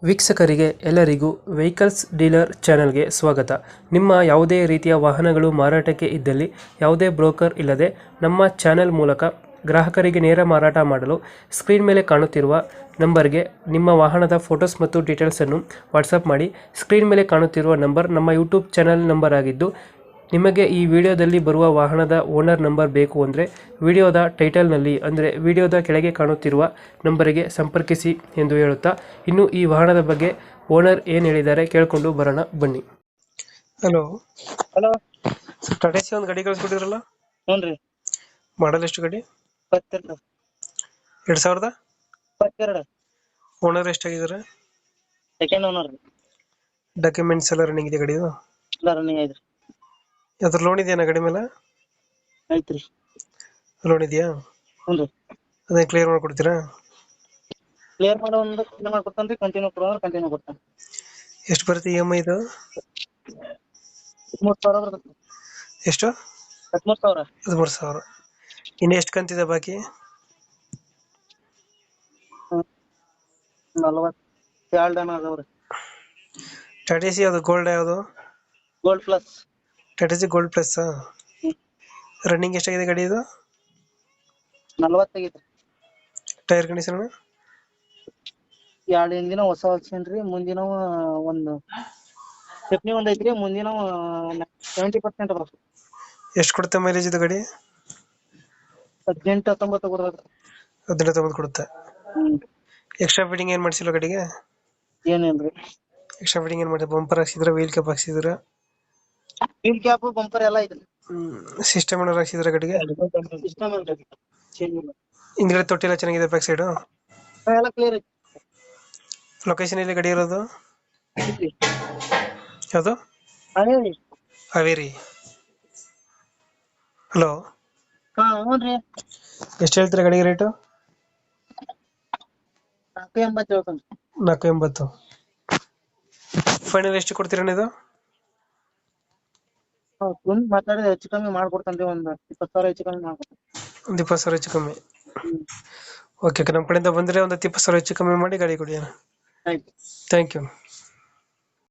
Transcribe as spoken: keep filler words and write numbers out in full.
ವೀಕ್ಷಕರಿಗೆ ಎಲ್ಲರಿಗೂ vehicles dealer ಚಾನೆಲ್ಗೆ ಸ್ವಾಗತ. ನಿಮ್ಮ ಯಾವುದೇ ರೀತಿಯ ವಾಹನಗಳು ಮಾರಾಟಕ್ಕೆ ಇದ್ದಲ್ಲಿ ಯಾವುದೇ ಬ್ರೋಕರ್ ಇಲ್ಲದೆ ನಮ್ಮ ಚಾನೆಲ್ ಮೂಲಕ ಗ್ರಾಹಕರಿಗೆ ನೇರ ಮಾರಾಟ ಮಾಡಲು ಸ್ಕ್ರೀನ್ ಮೇಲೆ ಕಾಣುತ್ತಿರುವ ನಂಬರ್ಗೆ ನಿಮ್ಮ ವಾಹನದ ಫೋಟೋಸ್ ಮತ್ತು ಡೀಟೇಲ್ಸನ್ನು ವಾಟ್ಸಪ್ ಮಾಡಿ. ಸ್ಕ್ರೀನ್ ಮೇಲೆ ಕಾಣುತ್ತಿರುವ ನಂಬರ್ ನಮ್ಮ ಯೂಟ್ಯೂಬ್ ಚಾನೆಲ್ ನಂಬರ್ ಆಗಿದ್ದು, ನಿಮಗೆ ಈ ವಿಡಿಯೋದಲ್ಲಿ ಬರುವ ವಾಹನದ ಓನರ್ ನಂಬರ್ ಬೇಕು ಅಂದರೆ ವಿಡಿಯೋದ ಟೈಟಲ್ನಲ್ಲಿ ಅಂದರೆ ವಿಡಿಯೋದ ಕೆಳಗೆ ಕಾಣುತ್ತಿರುವ ನಂಬರಿಗೆ ಸಂಪರ್ಕಿಸಿ ಎಂದು ಹೇಳುತ್ತಾ, ಇನ್ನು ಈ ವಾಹನದ ಬಗ್ಗೆ ಓನರ್ ಏನು ಹೇಳಿದ್ದಾರೆ ಕೇಳಿಕೊಂಡು ಬರೋಣ ಬನ್ನಿ. ಹಲೋ ಹಲೋ ಟಾಟಾ ಸಿ ಒಂದು ಗಾಡಿ ಕಳಿಸ್ಕೊಟ್ಟಿದ್ರಲ್ಲ, ಹ್ಞೂ ರೀ. ಮಾಡಲ್ ಎಷ್ಟು ಗಾಡಿ? ಇಪ್ಪತ್ತೆರಡು ಎರಡು ಸಾವಿರದ ಇಪ್ಪತ್ತೆರಡು ಓನರ್ ಎಷ್ಟಾಗಿದ್ದಾರೆ? ಸೆಕೆಂಡ್ ಓನರ್ ರೀ. ಡಾಕ್ಯುಮೆಂಟ್ಸ್ ಎಲ್ಲ ರನ್ನಿಂಗ್ ಇದೆ ಗಾಡಿದು? ಎಲ್ಲ ರನ್ನಿಂಗ್ ಐತ್ರಿ. ಯಾವ್ದ್ರ ಲೋನ್ ಇದೆಯಾ ಗಾಡಿ ಮೇಲೆ? ಐತ್ರಿ. ಲೋನ್ ಇದೆಯಾ? ಹ್ಞೂ ರೀ. ಅದೇ ಕ್ಲಿಯರ್ ಮಾಡ್ಕೊಡ್ತೀರಾ? ಕ್ಲಿಯರ್ ಮಾಡೋ ಒಂದು ಕ್ಲಿಯರ್ ಮಾಡ್ಕೊಡ್ತಾನೆ ರೀ. ಕಂಟಿನ್ಯೂ ಕೊಡೋದ್ರೆ ಕಂಟಿನ್ಯೂ ಕೊಡ್ತಾನೆ. ಎಷ್ಟು ಬರುತ್ತೆ ಇ ಎಮ್ ಐ ಇದು? ಹದಿಮೂರು ಸಾವಿರ ಬರ್ತದೆ. ಎಷ್ಟು? ಹದಿಮೂರು ಸಾವಿರ. ಹದಿಮೂರು ಸಾವಿರ. ಇನ್ನು ಎಷ್ಟು ಕಂತಿದೆ ಬಾಕಿ? ನಲವತ್ತೆರಡು ಜನ ಅದಾವ್ರಿ. ಟಾಟಾ ಸಿ ಯಾವುದು? ಗೋಲ್ಡ್ ಯಾವುದು? Gold plus. Tata C gold plus. Running ಎಷ್ಟಾಗಿದೆ ಗಾಡಿ ಇದು? ನಲವತ್ತೈದು. Tyre condition? ಎರಡು ಹಿಂದಿನ ಹೊಸ ಹಾಕ್ಸೇನ್ರಿ. ಮುಂದಿನ ಒಂದು ಸ್ಟೆಪ್ನಿ ಒಂದ್ ಐತ್ರಿ. ಮುಂದಿನ ಸೆವೆಂಟಿ ಪರ್ಸೆಂಟ್ ಬರ್ತದೆ. ಎಷ್ಟು ಕೊಡುತ್ತೆ ಮೈಲೇಜ್ ಇದು ಗಾಡಿ? ಹದಿನೆಂಟು ಹತ್ತೊಂಬತ್ತು ಕೊಡ್ತದೆ. ಹದಿನೆಂಟು ತೊಂಬತ್ತು ಕೊಡುತ್ತೆ. ಹ್ಮ್. ಎಕ್ಸ್ಟ್ರಾ ಫಿಟ್ಟಿಂಗ್ ಏನು ಮಾಡಿಸಿಲ್ಲ ಗಾಡಿಗೆ? ಏನಿಲ್ರಿ. ಎಕ್ಸ್ಟ್ರಾ ಫಿಟ್ಟಿಂಗ್ ಏನು ಮಾಡಿ? ಬಂಪರ್ ಹಾಕ್ಸಿದ್ರ, ವೀಲ್ ಕ್ಯಾಪ್ ಹಾಕ್ಸಿದ್ರ? ವೀಲ್ ಕ್ಯಾಪ್ ಬಂಪರ್ ಎಲ್ಲ ಐತ್ರಿ. ಸಿಸ್ಟಮ್ ಏನಾರು ಹಾಕ್ಸಿದ್ರ ಗಾಡಿಗೆ? ಸಿಸ್ಟಮ್ ಐತ್ರಿ. ಚೇಂಜ್ ಇಲ್ಲ. ಹಿಂದ್ಗಡೆ ತೊಟ್ಟಿ ಎಲ್ಲ ಚೆನ್ನಾಗಿದೆ ಬ್ಯಾಕ್ ಸೈಡು? ಎಲ್ಲ ಕ್ಲಿಯರ್ ಐತಿ. ಲೊಕೇಶನ್ ಎಲ್ಲಿ ಗಾಡಿ ಇರೋದು? ಐತ್ರಿ. ಯಾವುದು? ಅದೇ ರೀ. ಹಾವೇರಿ. ಹಲೋ, ಹಾ ಹ್ಞೂನ್ರಿ. ಎಷ್ಟು ಹೇಳ್ತೀರಾ ಗಾಡಿಗೆ ರೇಟು? ನಾಲ್ಕು ಎಂಬತ್ತು ಹೇಳ್ತಾನೆ. ನಾಲ್ಕು ಎಂಬತ್ತು. ಫೈನಲ್ ಎಷ್ಟು ಕೊಡ್ತೀರಾ ಇದು? ಕುಂತ್ ಮಾತಾಡಿದ್ರೆ ಹೆಚ್ಚು ಕಮ್ಮಿ ಮಾಡ್ಕೊಡ್ತಾನ್ರಿ. ಒಂದ್ ಇಪ್ಪತ್ತು ಸಾವಿರ ಹೆಚ್ಚು ಕಮ್ಮಿ ಮಾಡ್ಕೊಡ್ತಾನೆ. ಒಂದು ಇಪ್ಪತ್ತು ಸಾವಿರ ಹೆಚ್ಚು ಕಮ್ಮಿ. ಹ್ಮ್. ಓಕೆ, ನಮ್ಮ ಕಡೆಯಿಂದ ಬಂದರೆ ಒಂದು ಹತ್ತು ಇಪ್ಪತ್ತು ಸಾವಿರ ಹೆಚ್ಚು ಕಮ್ಮಿ ಮಾಡಿ ಗಾಡಿ ಕೊಡಿ. ಆಯ್ತು. Thank you.